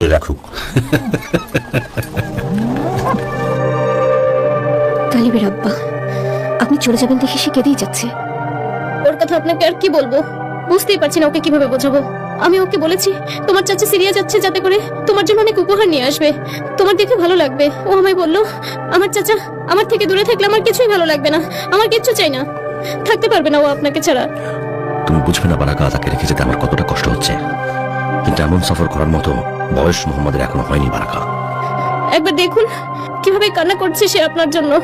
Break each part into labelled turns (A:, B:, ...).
A: রাখুক।
B: তালিবের আব্বা, আপনি চলে যাবেন দেখে সে কেঁদেই যাচ্ছে।
C: ওর কথা আপনাকে আর কি বলবো, বুঝতেই পারছি না ওকে কিভাবে বোঝাবো। আমি ওকে বলেছি তোমার চাচা সিরিয়া যাচ্ছে, যাতে করে তোমার জন্য অনেক উপহার নিয়ে আসবে, তোমার দেখে ভালো লাগবে। ও আমায় বলল, আমার চাচা আমার থেকে দূরে থাকলে আমার কিছুই ভালো লাগবে না, আমার কিচ্ছু চাই না, থাকতে পারবে না ও আপনাকে ছাড়া।
A: তুমি বুঝবে না বারাকা, তাকে রেখে যেতে আমার কতটা কষ্ট হচ্ছে, কিন্তু এমন সফর করার মতো বয়স মোহাম্মদের এখনো হয়নি বারাকা।
C: একবার দেখুন কিভাবে কান্না করছে সে আপনার জন্য।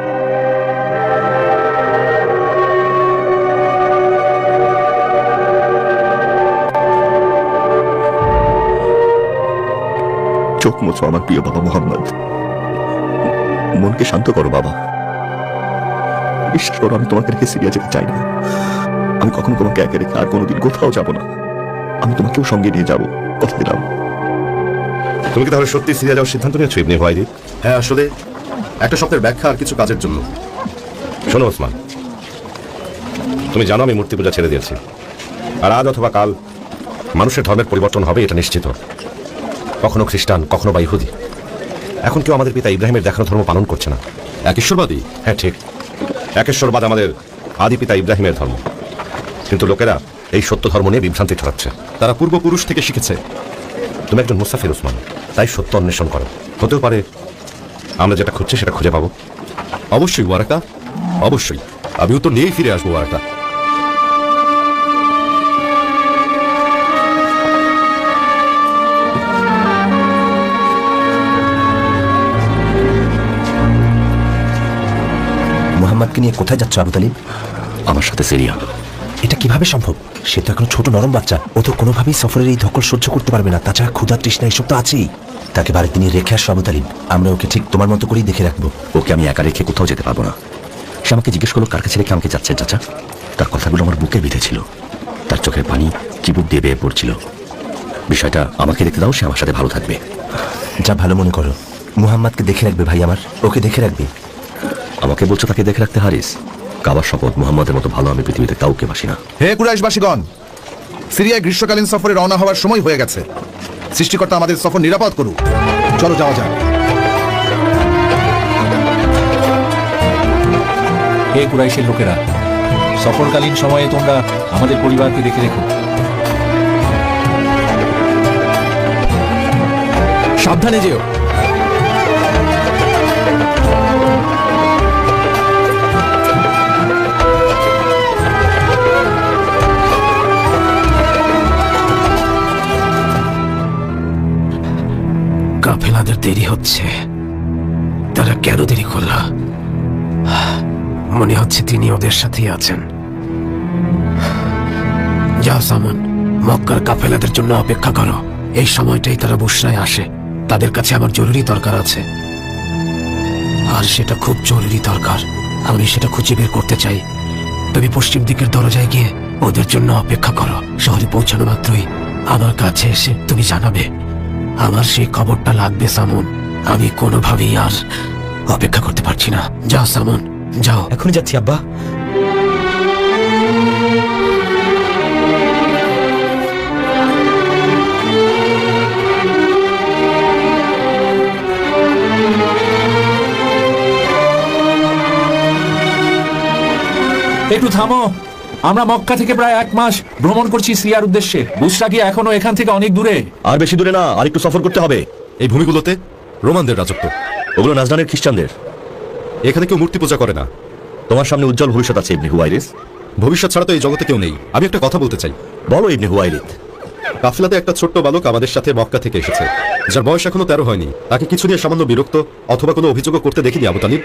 D: চোখ মোছো আমার প্রিয় বাবা মোহাম্মদ, মনকে শান্ত করো বাবা। বিশ্বাস করো, আমি তোমাকে রেখে সিরিয়া যেতে চাই না। আমি কখনো তোমাকে একা রেখে আর কোনোদিন কোথাও যাব না। আমি তোমাকেও সঙ্গে নিয়ে যাব, কথা দিলাম।
E: তুমি কি তাহলে সত্যি সিরিয়া যাওয়ার সিদ্ধান্ত নিয়েছো ইবনে হুয়াইরিদ? হ্যাঁ, আসলে একটা সপ্তাহের ব্যাখ্যা আর কিছু কাজের জন্য। শোনো ওসমান, তুমি জানো আমি মূর্তি পূজা ছেড়ে দিয়েছি, আর আজ অথবা কাল মানুষের ধর্মের পরিবর্তন হবে, এটা নিশ্চিত। কখনো খ্রিস্টান, কখনো বা ইহুদি। এখন কেউ আমাদের পিতা ইব্রাহিমের দেখানো ধর্ম পালন করছে না। একেশ্বরবাদী? হ্যাঁ ঠিক, একেশ্বরবাদ আমাদের আদি পিতা ইব্রাহিমের ধর্ম, কিন্তু লোকেরা এই সত্য ধর্ম নিয়ে বিভ্রান্তি ছড়াচ্ছে। তারা পূর্বপুরুষ থেকে শিখেছে। তুমি একজন মুসাফির ওসমান, তাই সত্য অন্বেষণ করো। হতেও পারে আমরা যেটা খুঁজছি সেটা খুঁজে পাবো। অবশ্যই ওয়ারাকা, অবশ্যই আমি উত্তর নিয়েই ফিরে আসবো ওয়ারাকা।
F: মোহাম্মদকে নিয়ে কোথায় যাচ্ছ আবু তালিব?
A: আমার সাথে সিরিয়া।
F: এটা কিভাবে সম্ভব? সে তো এখন ছোট নরম বাচ্চা, ও তো কোনোভাবেই সফরের এই ধকল সহ্য করতে পারবে না। তাছাড়া ক্ষুধা তৃষ্ণা এসব তো আছেই। তাকে বাড়িতে নিয়ে রেখে আসো আবু তালিব, আমরা ওকে ঠিক তোমার মতো করেই দেখে রাখবো।
A: ওকে আমি একা রেখে কোথাও যেতে পারবো না। সে আমাকে জিজ্ঞেস করলো কার কাছে রেখে আমাকে যাচ্ছে চাচা। তার কথাগুলো আমার বুকে বিঁধেছিল, তার চোখের পানি চিবুক দিয়ে বেয়ে পড়ছিল। বিষয়টা আমাকে দেখতে দাও, সে আমার সাথে ভালো থাকবে।
F: যা ভালো মনে করো। মুহাম্মদকে দেখে রাখবে ভাই আমার, ওকে দেখে রাখবে।
A: আমাকে বলছো তাকে দেখে রাখতে হারিস? কাবার শপথ, মুহাম্মদের মতো ভালো আমি পৃথিবীতে কাউকে বাসি না।
G: হে কুরাইশবাসীগণ, সিরিয়ায় গ্রীষ্মকালীন সফরে রওনা হওয়ার সময় হয়ে গেছে। সৃষ্টিকর্তা আমাদের সফর নিরাপদ করুক। চলো যাওয়া যাক।
H: হে কুরাইশের লোকেরা, সফরকালীন সময়ে তোমরা আমাদের পরিবারকে দেখে রেখো। সাবধানে যেও।
F: কাফেলাদের দেরি হচ্ছে। তারা কেন দেরি করল? মনে হচ্ছে তিনি ওদের সাথেই আছেন। যাও সামন, মক্কার কাফেলাদের জন্য অপেক্ষা করো। এই সময়টাই তারা বুশরায় আসে। তাদের কাছে আমার জরুরি দরকার আছে, আর সেটা খুব জরুরি দরকার। আমি সেটা খুঁজে বের করতে চাই। তুমি পশ্চিম দিকের দরজায় গিয়ে ওদের জন্য অপেক্ষা করো। শহরে পৌঁছানো মাত্রই আমার কাছে এসে তুমি জানাবে। আমার সেই খবরটা লাগবে সামন। আমি কোনোভাবেই আর অপেক্ষা করতে পারছি না। যাও সামন, যাও।
I: এখনই যাচ্ছি আব্বা।
H: একটু থামো। আমরা মক্কা থেকে প্রায় 1 মাস ভ্রমণ করছি সিরিয়ার উদ্দেশ্যে। বুশরা কি এখনো এখান থেকে অনেক দূরে?
A: আর বেশি দূরে না, আর একটু সফর করতে হবে।
E: এই ভূমিগুলোতে রোমানদের রাজত্ব।
A: ওগুলো নাজরানের খ্রিস্টানদের।
E: এখানে কেউ মূর্তি পূজা করে না।
A: তোমার সামনে উজ্জ্বল ভবিষ্যৎ আছে ইবনে হুয়াইরিস।
E: ভবিষ্যৎ ছাড়া তো এই জগতে কেউ নেই। আমি একটা কথা বলতে চাই।
A: বলো ইবনে হুয়াইরিদ।
E: কাফেলাতে একটা ছোট্ট বালক আমাদের সাথে মক্কা থেকে এসেছে, যার বয়স এখনো 13 হয়নি। তাকে কিছু নিয়ে সামান্য বিরক্ত অথবা কোনো অভিযোগও করতে দেখিনি আবু তালিব।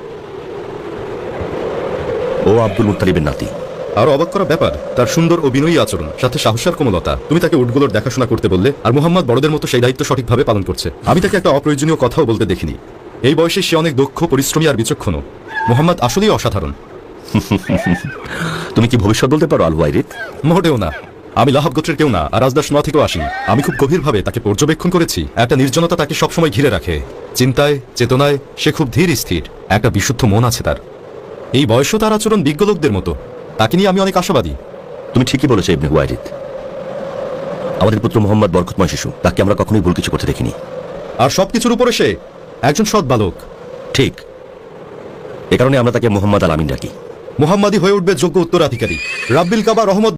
A: ও আব্দুল মুত্তালিবের নাতি।
E: আরো অবাক করা ব্যাপার, তার সুন্দর ও বিনয়ী আচরণ, সাথে সাহসের কোমলতা। তুমি তাকে উটগুলোর দেখাশোনা করতে বললে, আর মুহাম্মদ বড়দের মতো সেই দায়িত্ব সঠিকভাবে পালন করছে। আমি তাকে একটা অপ্রয়োজনীয় কথাও বলতে দেখিনি। এই বয়সে সে অনেক দক্ষ, পরিশ্রমী আর বিচক্ষণ। মুহাম্মদ আসলেই অসাধারণ।
A: তুমি কি ভবিষ্যৎ বলতে পারো আল হুয়াইরিদ?
E: মোটেও না। আমি লাহাব গোত্রের কেউ না, আর রাজদাস নোয়া থেকেও আসি। আমি খুব গভীরভাবে তাকে পর্যবেক্ষণ করেছি। একটা নির্জনতা তাকে সবসময় ঘিরে রাখে। চিন্তায়, চেতনায় সে খুব ধীর স্থির। একটা বিশুদ্ধ মন আছে তার। এই বয়সও তার আচরণ বিজ্ঞ লোকদের মতো। তাকে নিয়ে আমি অনেক আশাবাদী।
A: তুমি ঠিকই বলেছো ইবনে হুয়াইরিদ। আমাদের পুত্র মোহাম্মদ বরকতময় শিশু, তাকে আমরা কখনোই ভুল কিছু করতে দেখিনি।
D: আর সবকিছুর উপরে সে একজন সৎ বালক।
A: ঠিক, এ কারণে আমরা তাকে মোহাম্মদ আল আমিন ডাকি।
D: মুহাম্মাদি হয়ে উঠবে যোগ্য উত্তরাধিকারী। রাব্বিল কাবা রহমত